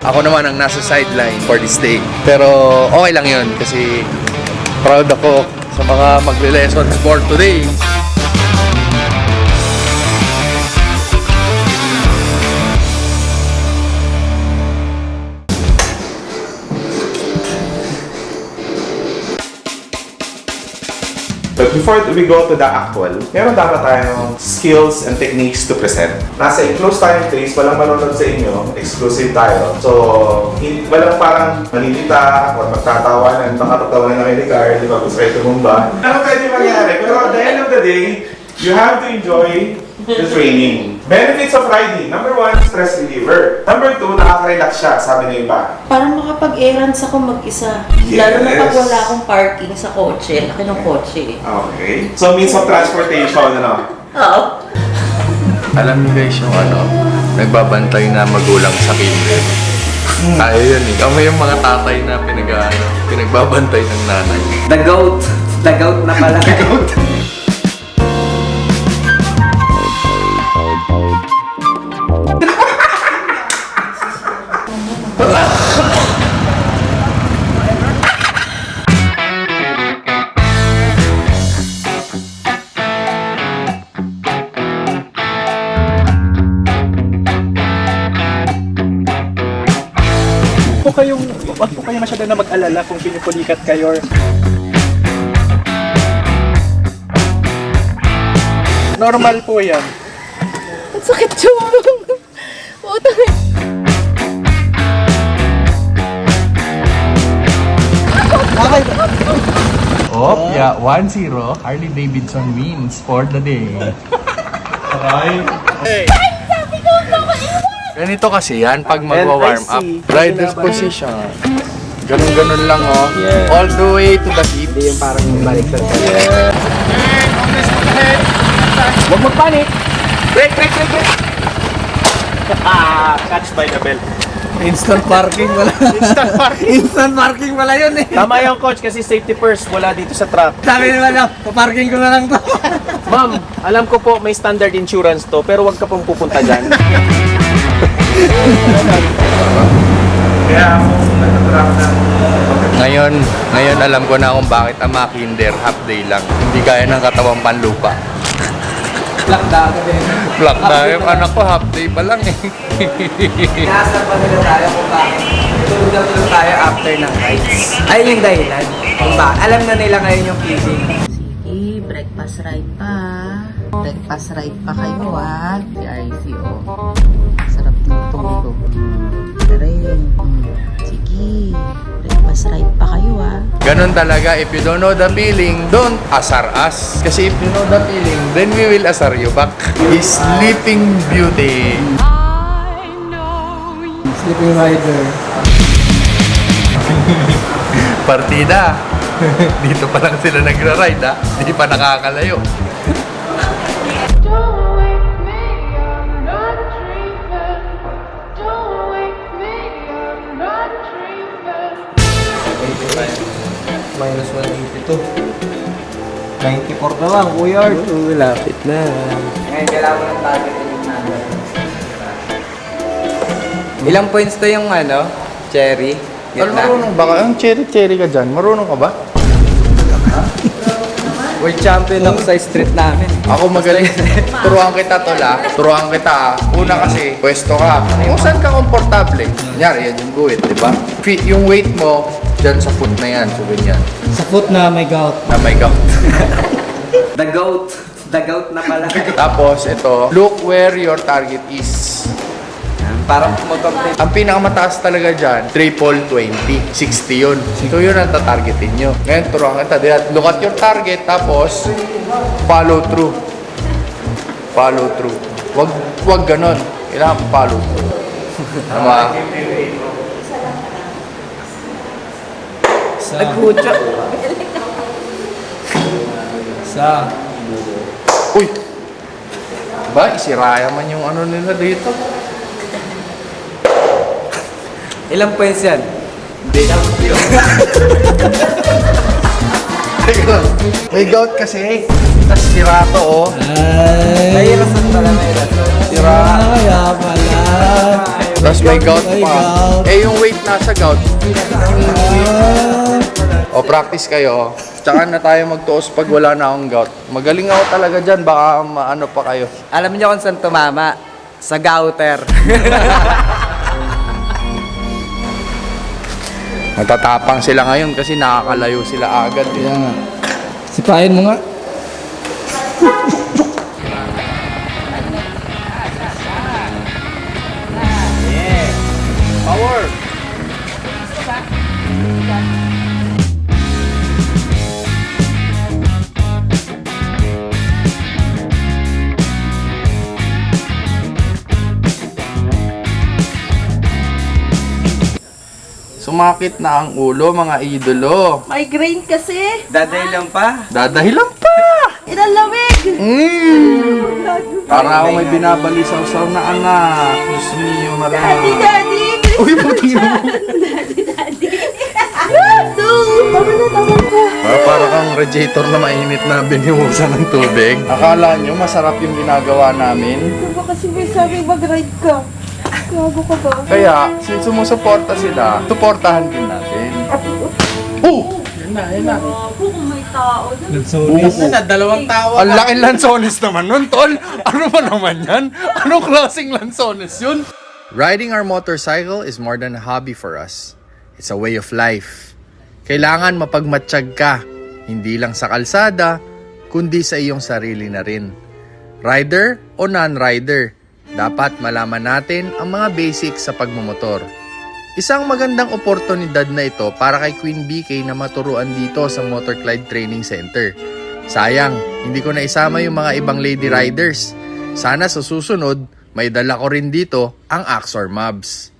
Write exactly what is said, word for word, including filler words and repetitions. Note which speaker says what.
Speaker 1: Ako naman ang nasa sideline for this day. Pero okay lang yun kasi proud ako sa mga magle-lesson for today.
Speaker 2: But before we go to the actual, meron dapat tayong skills and techniques to present. Nasa enclosed time place, walang manonood sa inyo, exclusive tayo. So, in, walang parang malilita or magtatawanan, baka tatawanan na kayo ni Carl, di ba gusto kayo tumumba. Ano pwede mangyari? Pero at the end of the day, you have to enjoy the training. Benefits of riding. Number one, stress reliever. Number two, nakaka-relax siya, sabi ng iba.
Speaker 3: Parang makapag-errands ako mag-isa.
Speaker 2: Yes.
Speaker 3: Lalo na pag wala akong parking sa kotse. Laki ng kotse.
Speaker 2: Okay. So, means of transportation, ano?
Speaker 3: Oo.
Speaker 1: Alam niyo guys yung ano, nagbabantay na magulang sa kinder. Ayaw yun eh. Kami yung mga tatay na pinag, ano, pinagbabantay ng nanay.
Speaker 4: The goat. The goat na pala. The goat.
Speaker 5: po kayong, wag po kayo masyado na mag-alala kung pinupulikat kayo or normal po yan.
Speaker 3: Ang sakit yung utang.
Speaker 1: Oh, yeah, one zero. Harley Davidson wins for the day. Ganito kasi yan pag magwa-warm up. Rider's position. Ganun-ganun lang oh.
Speaker 4: Yeah.
Speaker 1: All the way to the hips.
Speaker 4: Hindi yung parang baliktad ka.
Speaker 1: Yeah.
Speaker 5: Huwag magpanik! Break, break, break, break! Ah, catch by the bell.
Speaker 4: Instant parking wala.
Speaker 5: Instant parking.
Speaker 4: Instant parking wala yun eh.
Speaker 5: Tama yung coach kasi safety first, wala dito sa trap.
Speaker 4: Sabi naman lang, paparking ko na lang to.
Speaker 5: Ma'am, alam ko po may standard insurance to, pero wag ka pong pupunta dyan.
Speaker 2: Kaya ako, natatrap na.
Speaker 1: Ngayon, ngayon alam ko na kung bakit ang mga kinder half day lang. Hindi kaya ng katawang panlupa.
Speaker 4: Black daga din.
Speaker 1: Black na yung anak ko half day pa lang eh.
Speaker 4: Inaasar pa nila tayo kung bakit. Tulog na tulog tayo after ng rides. Ayun yung dahilan. Kung ba, alam na nila ngayon yung feeling.
Speaker 3: Sige, breakfast ride pa. Breakfast ride pa kayo ah. Si R C oh. Sarap ng tulog. Rin. Sige, breakfast ride pa kayo ah.
Speaker 1: Ganun talaga, if you don't know the feeling, don't asar us. Kasi if you know the feeling, then we will asar you back. Sleeping Beauty.
Speaker 4: Sleeping rider.
Speaker 1: Partida. Dito pa lang sila nagra-ride ha. Hindi pa nakakalayo.
Speaker 6: Don't wake me, I'm not dreaming. Don't wake me, I'm not dreaming.
Speaker 4: Minus one eighty-two. ninety-four na lang, Kuya Art. Oo, lapit na. Ngayon, kailangan mo ng target yung number. Ilang points to yung ano? Cherry?
Speaker 1: Alam, marunong ba ka? Ang cherry-cherry ka dyan. Marunong ka ba?
Speaker 4: World champion ako sa street namin.
Speaker 1: Ako magaling. Turuan kita tol ah. Turuan kita ah. Una kasi, pwesto ka. Kung saan ka komportable. Kunyari, yan yung guhit, di ba? Fit yung weight mo, dyan sa foot na yan. So, ganyan.
Speaker 4: Sa foot na may gout.
Speaker 1: Na may gout.
Speaker 4: The goat. The goat na pala.
Speaker 1: Tapos, ito. Look where your target is.
Speaker 4: Parang mag-complete.
Speaker 1: Ang pinakamataas talaga dyan, triple twenty. sixty yun. So, yun ang tatargetin nyo. Ngayon, turuan kita. Diyan, look at your target, tapos, follow through. Follow through. Wag, wag ganon. Kailangan follow through. Tama?
Speaker 4: Nagkutsa. Sa.
Speaker 1: Uy! Ba, isiraya man yung ano nila dito.
Speaker 4: Ilang points yan?
Speaker 1: Teka lang. May gout kasi. Tapos sira to, oh.
Speaker 4: Ay. Nahirasan pala, nahirasan.
Speaker 1: Sira.
Speaker 4: Kaya pala.
Speaker 1: Tapos may gout pa. Eh, yung weight nasa gout. O, practice kayo. Tsaka na tayo magtuos pag wala na akong gout. Magaling ako talaga dyan. Baka maano pa kayo.
Speaker 4: Alam niyo kung saan tumama? Sa gouter.
Speaker 1: Natatapang sila ngayon kasi nakakalayo sila agad. Eh.
Speaker 4: Kaya nga. Sipahin mo nga.
Speaker 1: Power! Sumakit na ang ulo, mga idolo.
Speaker 3: Migraine kasi.
Speaker 4: Daday lang pa.
Speaker 1: Dadahilan pa!
Speaker 3: Inalamig.
Speaker 1: Mm. Para ako may binabalisaw-saw na anak. Diyos mio,
Speaker 3: Daddy,
Speaker 1: marami.
Speaker 3: daddy.
Speaker 1: Uy, puting mo.
Speaker 3: Daddy, daddy. Ito. Tama na, tama na.
Speaker 1: Ah, para kang radiator na mainit na binihusan ng tubig. Akala nyo masarap yung ginagawa namin?
Speaker 3: Ano ba kasi may sabi mag-ride ka? Gago ka ba?
Speaker 1: Kaya, since sumusuporta sila, suportahan din natin. Oh!
Speaker 3: Gago kung may tao.
Speaker 1: Oo.
Speaker 5: Na, dalawang tao.
Speaker 1: Ang laking lansones naman nun, tol. Ano ba naman yan? Anong klaseng lansones yun? Riding our motorcycle is more than a hobby for us. It's a way of life. Kailangan mapagmatsyag ka, hindi lang sa kalsada, kundi sa iyong sarili na rin. Rider o non-rider, dapat malaman natin ang mga basics sa pagmumotor. Isang magandang oportunidad na ito para kay Queen B K na maturuan dito sa Motor Clyde Training Center. Sayang, hindi ko na isama yung mga ibang lady riders. Sana sa susunod, may dala ko rin dito ang Axor Mobs.